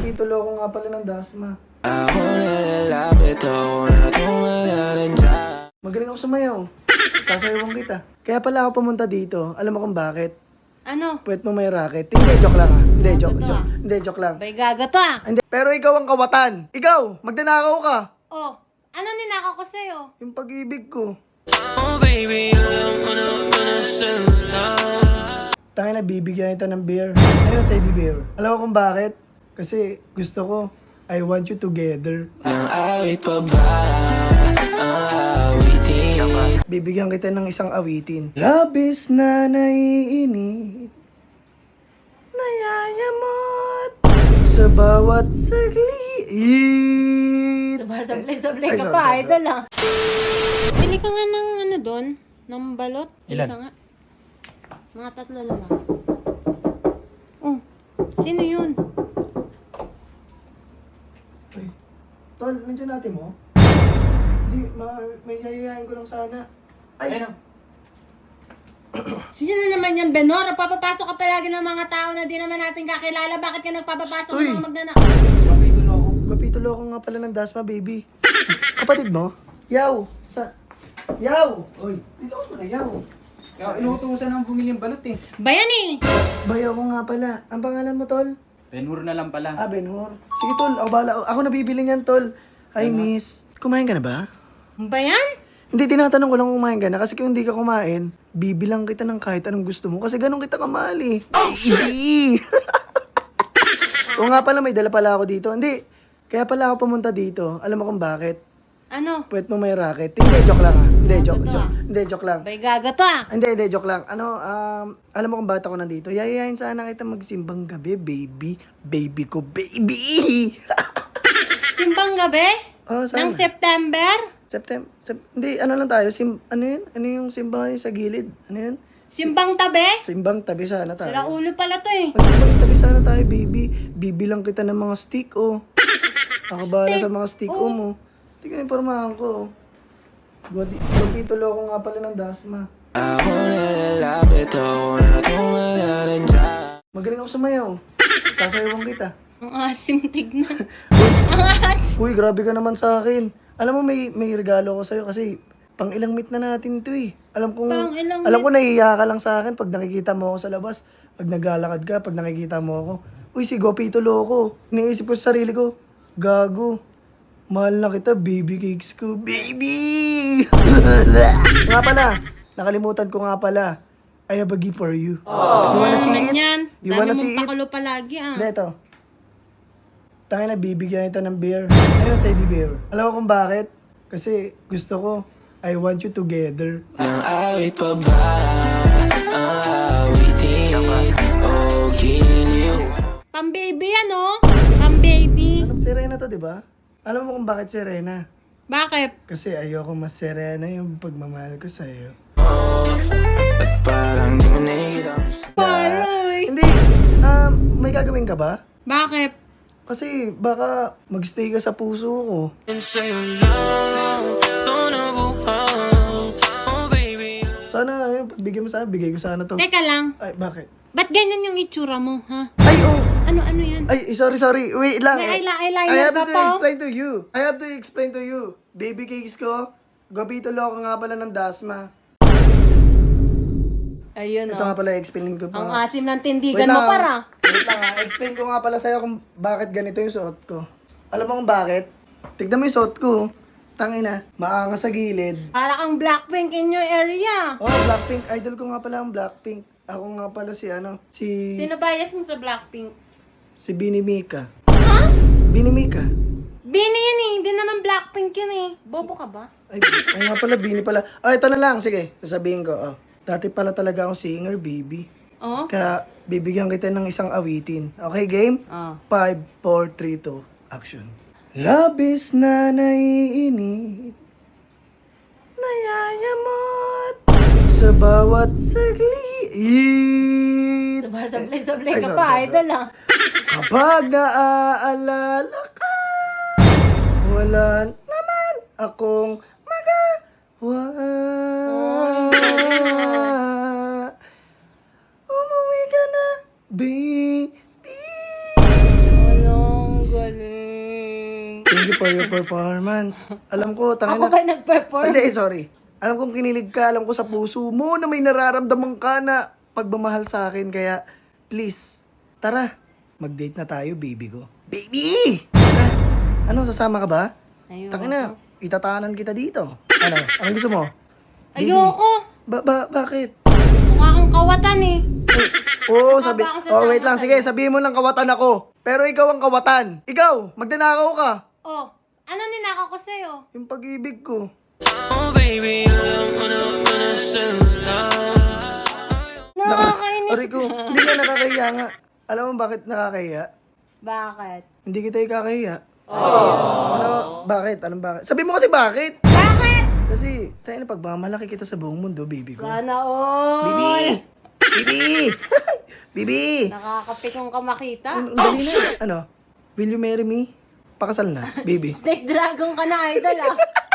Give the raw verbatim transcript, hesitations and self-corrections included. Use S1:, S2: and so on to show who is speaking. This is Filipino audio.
S1: Kapitulo ko nga pala ng Dasma. Magaling ako sumayaw. Sasayawan kita. Kaya pala ako pumunta dito. Alam mo kung bakit?
S2: Ano?
S1: Puwet mo may racket. Hindi, joke lang ah. Hindi, joke,
S2: Gago to,
S1: joke.
S2: ah.
S1: Hindi, joke lang.
S2: Bay gaga to ah.
S1: Hindi. Pero ikaw ang kawatan. Ikaw, magnanakaw ka.
S2: Oh, ano ninakaw ko sa'yo?
S1: Yung pag-ibig ko.
S3: Oh baby, alam mo na panasalan.
S1: Tayo na bibigyan kita ng beer. Ayun, teddy bear. Alam mo kung bakit? Kasi gusto ko, I want you together.
S3: Nang awit pa ba ang awitin?
S1: Bibigyan kita ng isang awitin. Labis na naiinip, nayayamot sa bawat saglit.
S2: Sablay-sablay
S1: Ay,
S2: ka
S1: sorry,
S2: pa,
S1: sorry,
S2: idol ah. Bili ka nga ng ano doon, ng balot. Bili
S4: Ilan?
S2: ka nga. Mga tatlo na lang. Oh, sino yun?
S1: Ay, tol, nandiyan natin mo? Hindi, ma- may yayayain ko lang sana. Ay,
S4: Ayun.
S2: Sino na naman yan, Benor? Papapasok ka palagi ng mga tao na di naman natin kakilala. Bakit ka nagpapapasok
S1: Uy.
S2: ng mga magdana?
S4: Kapitulo ako.
S1: Kapitulo ko nga pala ng Dasma, baby. Kapatid mo? Yaw! Sa... Yaw!
S4: Uy,
S1: Dito ko na, Yaw.
S4: kaya inuutusan ng bumili ng balot eh.
S2: Bayan eh!
S1: Bayaw ko nga pala. Ang pangalan mo, tol?
S4: Benhur na lang pala.
S1: Ah, Benhur. Sige, tol. Ako bala. Ako nabibili niyan, tol. Hi, miss. Kumain ka na ba?
S2: Bayan?
S1: Hindi, tinatanong ko lang kung kumain ka na. Kasi kung hindi ka kumain, bibilang kita ng kahit anong gusto mo. Kasi ganun kita kamahal eh. Baby! O nga pala, may dala pala ako dito. Hindi. Kaya pala ako pumunta dito. Alam mo kung bakit?
S2: Ano?
S1: Puwet mo may racket. Hindi, joke lang ah. Hindi, joke,
S2: Gago to,
S1: joke.
S2: ah.
S1: Hindi, joke lang.
S2: Bay gaga to ah.
S1: Hindi, hindi, joke lang. Ano, um, alam mo kung bakit ako nandito? Yayayain sana kita magsimbang gabi, baby. Baby ko, baby!
S2: Simbang gabi?
S1: Oh, sana.
S2: Ng September?
S1: September, sep- hindi, ano lang tayo, sim, ano yun? Ano yung simbang yung sa gilid? Ano yun?
S2: Simbang tabi?
S1: Simbang tabi sana tayo.
S2: Sira ulo pala to eh.
S1: Magsimbang tabi sana tayo, baby. Bibilang kita ng mga stick, oh. Ako bahala sa mga stick, oh, mo. Tingnan yung pormahan ko, oh. Godi- Kapitulo ko nga pala ng Dasma.
S3: Ako nalalapit ako na tumalaran dyan.
S1: Magaling ako sumayaw. Sasayawan kita.
S2: Ang asim tignan.
S1: Uy, grabe ka naman sa akin. Alam mo, may may regalo ko sa'yo kasi pang ilang meet na natin to eh. Alam ko,
S2: Pang ilang
S1: alam ko nahihiya ka lang sa akin pag nakikita mo ako sa labas. Pag naglalakad ka, pag nakikita mo ako. Uy, si Gopitulo ko. Iniisip ko sa sarili ko, gago. Mahal na kita, baby cakes ko. Baby! Nga pala, nakalimutan ko nga pala. I have a gift for you. You wanna see it?
S2: Yan.
S1: You
S2: Dami
S1: wanna
S2: mong
S1: see it?
S2: pakulo palagi ah.
S1: Hindi, ito. Tayo na bibigyan kita ng beer. Ayun, teddy bear. Alam mo kung bakit? Kasi gusto ko, I want you together.
S3: Nang awit pa ba ang awitin? Oh, giliw.
S2: Pang-baby yan oh. Pang-baby.
S1: Anong Serena to, di ba? Alam mo kung bakit Serena?
S2: Bakit?
S1: Kasi ayoko mas Serena yung pagmamahal ko sa'yo.
S3: Oh, at parang di mo nakikita.
S2: Paloy.
S1: Hindi, um, may gagawin ka ba?
S2: Bakit?
S1: Kasi baka magstay ka sa puso ko.
S3: Sa'yo lang ito nabuhang. Oh baby.
S1: Sana, ayun, pagbigyan mo sana, bigay ko sana to.
S2: Teka lang.
S1: Ay, bakit?
S2: Ba't ganyan yung itsura mo, ha?
S1: Ay, oh!
S2: Ano, ano yan?
S1: Ay, sorry, sorry. Wait lang.
S2: May
S1: eh.
S2: eyela- eyeliner
S1: I have
S2: ka
S1: to
S2: pa, oh.
S1: explain to you. I have to explain to you. Baby cakes ko, Gopitulo ko nga pala ng Dasma.
S2: Ayun
S1: Ito
S2: oh.
S1: nga pala, explain ko pa.
S2: Ang
S1: nga.
S2: asim ng
S1: Wait
S2: tindigan
S1: lang,
S2: mo para.
S1: Wait lang ha. Explain ko nga pala sa'yo kung bakit ganito yung suot ko. Alam mo kung bakit? Tignan mo yung suot ko. Tangina, maanga sa gilid.
S2: Para kang Blackpink in your area.
S1: Oh, Blackpink. Idol ko nga pala ang Blackpink. Ako nga pala si ano, si...
S2: Sino bias mo sa Blackpink?
S1: Si Bini Mika.
S2: Ha?
S1: Bini Mika.
S2: Bini yun eh. Hindi naman Blackpink yun eh. Bobo ka ba?
S1: Ay, oo nga pala, Bini pala. Oh, ito na lang. Sige, sasabihin ko. Oh. Dati pala talaga akong singer, baby.
S2: Oh?
S1: Kaya, bibigyan kita ng isang awitin. Okay, game?
S2: Oh.
S1: five, four, three, two, action. Labis na naiinip, nayayamot sa bawat saglit.
S2: Sablay-sablay
S1: Ay,
S2: ka
S1: sorry,
S2: pa,
S1: sorry,
S2: idol ah.
S1: Kapag naaalala ka, wala naman akong magawa. Umuwi ka na, baby.
S2: Walang
S1: Thank you for your performance. Alam ko, tangin
S2: Ako
S1: na...
S2: ba nag-perform?
S1: Hindi, sorry. Alam kong kinilig ka, alam ko sa puso mo na may nararamdaman ka na pagmamahal sa akin. Kaya, please, tara, mag-date na tayo, baby ko. Baby! Tara. Ano, sasama ka ba?
S2: Ayoko.
S1: Tangin na, itatanan kita dito. Ano, anong gusto mo? Baby.
S2: Ayoko.
S1: Ba, ba, bakit?
S2: Mukha kang kawatan eh.
S1: Oo, sabi...
S2: ba akong sasama
S1: Oh, wait lang.
S2: sa'yo?
S1: Sige, sabihin mo lang kawatan ako. Pero ikaw ang kawatan. Ikaw, magdanakaw ka.
S2: Oh, ano ninakaw ko sa'yo?
S1: Yung pag-ibig ko.
S3: Oh baby, alam mo na ba na sila?
S2: Nakakainis.
S1: Aray ko, hindi ka nakakahiya nga. Alam mo bakit nakakahiya?
S2: Bakit?
S1: Hindi kita ikakahiya. Ano, bakit? Anong bakit? Sabi mo kasi bakit?
S2: Bakit?
S1: Kasi, tayo na pagmamalaki kita sa buong mundo, baby ko.
S2: Sana all.
S1: Bibi! Bibi! Bibi!
S2: Nakakapikong ka makita.
S1: Ang dali na. Ano? Will you marry me? Pakasal na, baby.
S2: Snake dragon ka na, idol ah.